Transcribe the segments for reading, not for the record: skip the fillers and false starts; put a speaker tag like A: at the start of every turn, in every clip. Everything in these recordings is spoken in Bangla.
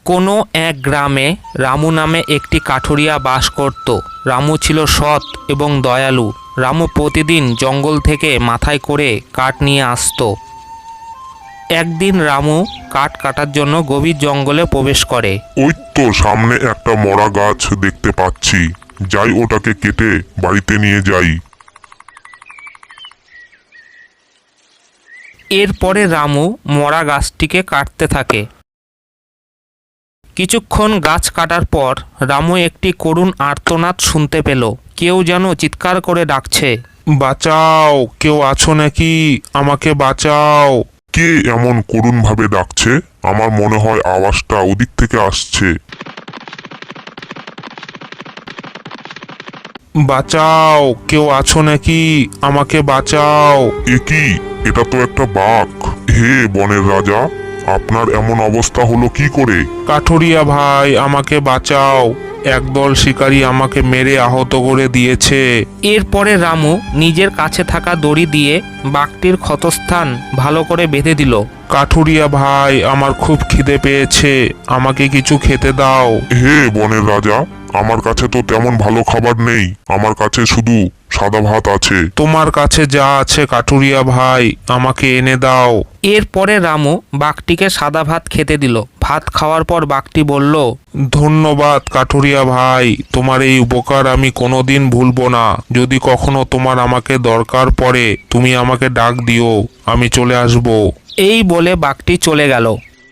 A: কোনো এক গ্রামে রামু নামে একটি কাঠুরিয়া বাস করত। রামু ছিল সৎ এবং দয়ালু। রামু প্রতিদিন জঙ্গল থেকে মাথায় করে কাঠ নিয়ে আসতো। একদিন রামু কাঠ কাটার জন্য গভীর জঙ্গলে প্রবেশ করে।
B: ওই তো সামনে একটা মরা গাছ দেখতে পাচ্ছি, যাই ওটাকে কেটে বাড়িতে নিয়ে যাই।
A: এরপরে রামু মরা গাছটিকে কাটতে থাকে। কিছুক্ষণ গাছ কাটার পর রামু একটি করুণ আর্তনাদ শুনতে পেল। কেউ যেন চিৎকার করে ডাকছে,
B: বাঁচাও, কেউ আছো নাকি? আমাকে বাঁচাও। কে এমন করুণ ভাবে ডাকছে? আমার মনে হয় আওয়াজটা ওদিক থেকে আসছে। বাঁচাও, কেউ আছো নাকি? আমাকে বাঁচাও। এ কি? এটা তো একটা বাঘ। হে বনের রাজা, আপনার এমন অবস্থা হলো কি করে? কাঠুরিয়া ভাই, আমাকে বাঁচাও। একদল শিকারী আমাকে মেরে আহত করে দিয়েছে।
A: এরপরে রামু নিজের কাছে থাকা দড়ি দিয়ে বাঘটির ক্ষতস্থান ভালো করে বেঁধে দিল।
B: কাঠুরিয়া ভাই, আমার খুব খিদে পেয়েছে, আমাকে কিছু খেতে দাও। হে বনের রাজা, আমার কাছে তো তেমন ভালো খাবার নেই, আমার কাছে শুধু সাদা ভাত আছে। তোমার কাছে যা আছে কাঠুরিয়া ভাই, আমাকে এনে দাও।
A: এরপরে রামু বাঘটিকে সাদা ভাত খেতে দিল। ভাত খাওয়ার পর বাঘটি বলল,
B: ধন্যবাদ কাঠুরিয়া ভাই, তোমার এই উপকার আমি কোনোদিন ভুলবো না। যদি কখনো তোমার আমাকে দরকার পড়ে তুমি আমাকে ডাক দিও, আমি চলে আসব।
A: এই বলে বাঘটি চলে গেল।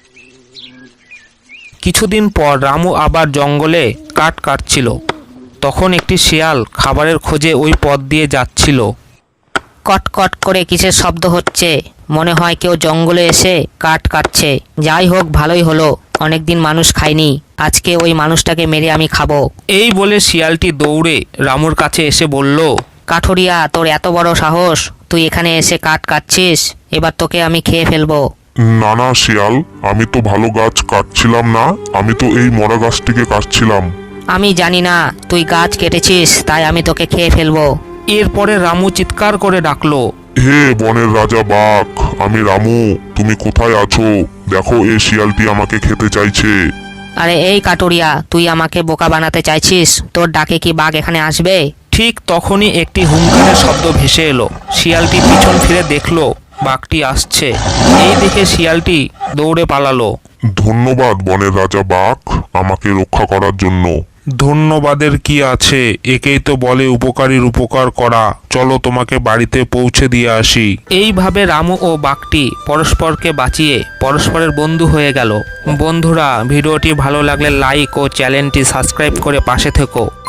A: কিছুদিন পর রামু আবার জঙ্গলে কাঠ কাটছিল। তখন একটি শিয়াল খাবারের খোঁজে ওই পথ দিয়ে যাচ্ছিল।
C: কটকট করে কিসের শব্দ হচ্ছে? মনে হয় কেউ জঙ্গলে এসে কাঠ কাটছে। যাই হোক, ভালোই হলো, অনেকদিন মানুষ খায়নি, আজকে ওই মানুষটাকে মেরে আমি খাবো।
A: এই বলে শিয়ালটি দৌড়ে রামুর কাছে এসে বলল,
C: কাঠুরিয়া, তোর এত বড় সাহস, তুই এখানে এসে কাঠ কাটছিস? এবার তোকে আমি খেয়ে ফেলবো।
B: না না শিয়াল, আমি তো ভালো গাছ কাটছিলাম না, আমি তো এই মরা গাছটিকে কাটছিলাম।
C: আমি জানি না তুই গাছ কেটেছিস, তাই আমি তোকে খেয়ে ফেলবো।
A: এরপরে রামু চিৎকার করে ডাকলো,
B: হে বনের রাজা বাঘ, আমি রামু, তুমি কোথায় আছো? দেখো, এই শিয়ালটি আমাকে খেতে চাইছে।
C: আরে এই কাঠুরিয়া, তুই আমাকে বোকা বানাতে চাইছিস? তোর ডাকে কি বাঘ এখানে আসবে?
A: ঠিক তখনই একটি হুঙ্কারের শব্দ ভেসে এলো। শিয়ালটি পিছন ফিরে দেখলো বাঘটি আসছে। এই দেখে শিয়ালটি দৌড়ে পালালো।
B: ধন্যবাদ বনের রাজা বাঘ, আমাকে রক্ষা করার জন্য। ধন্যবাদের কি আছে, একেই তো বলে উপকারীর উপকার করা। চলো তোমাকে বাড়িতে পৌঁছে দিয়ে আসি।
A: এইভাবে রামু ও বাঘটি পরস্পরকে বাঁচিয়ে পরস্পরের বন্ধু হয়ে গেল। বন্ধুরা, ভিডিওটি ভালো লাগলে লাইক ও চ্যানেলটি সাবস্ক্রাইব করে পাশে থেকো।